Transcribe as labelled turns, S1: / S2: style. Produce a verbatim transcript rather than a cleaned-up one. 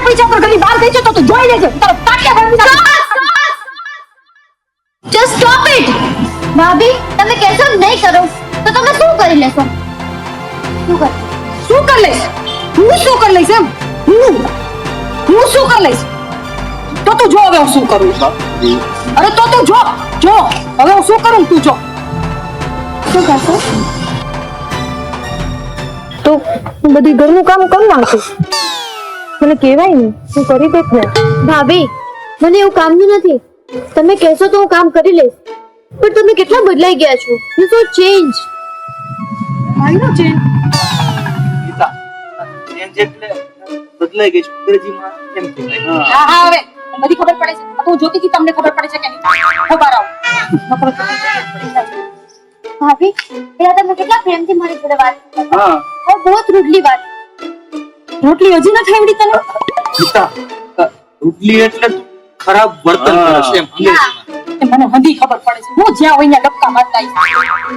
S1: પૈસા પર ઘરની બહાર ગઈ છે તો તું જોઈ લેજે તારો તાટિયા ભરી
S2: Just stop it! ભાભી તમે કહેશો નહીં કરો તો તમે શું કરી લેશો? શું કર
S1: શું કરી લઈશ હું શું કરી લઈશ એમ હું હું શું કરી લઈશ તો તું જો હવે હું શું કરું અરે તો તું જો જો હવે હું શું કરું તું જો
S2: શું કરશો?
S3: તો હું બધી ઘરનું કામ કરી નાખું મને કહેવાય ને હું કરી દેખ ને
S2: ભાભી મને એવું કામનું નથી તમે કહેશો તો હું કામ કરી લઈશ પણ તમે કેટલા બદલાઈ ગયા છો you so change
S1: I know change
S4: Gita change એટલે બદલાઈ ગઈ છે અંગ્રેજીમાં કેમ કહેવાય?
S1: હા હા હવે બધી ખબર પડે છે તો હું જોતી હતી તમને ખબર પડે છે કે નહીં ખબર આવ ખબર પડે
S2: ભાભી પેલા તમે કેટલા પ્રેમથી મારી જોડે વાત કરી
S4: હા
S2: और बहुत रूडली बात
S1: રોટલી હજી ન ખાવડી તને
S4: ગીતા રૂડલી એટલે ખરાબ વર્તન કરે છે એમ અંગ્રેજીમાં.
S1: મને હંધી ખબર પડે છે હું જ્યાં હોય ત્યાં ડબકા મારતા આવીશ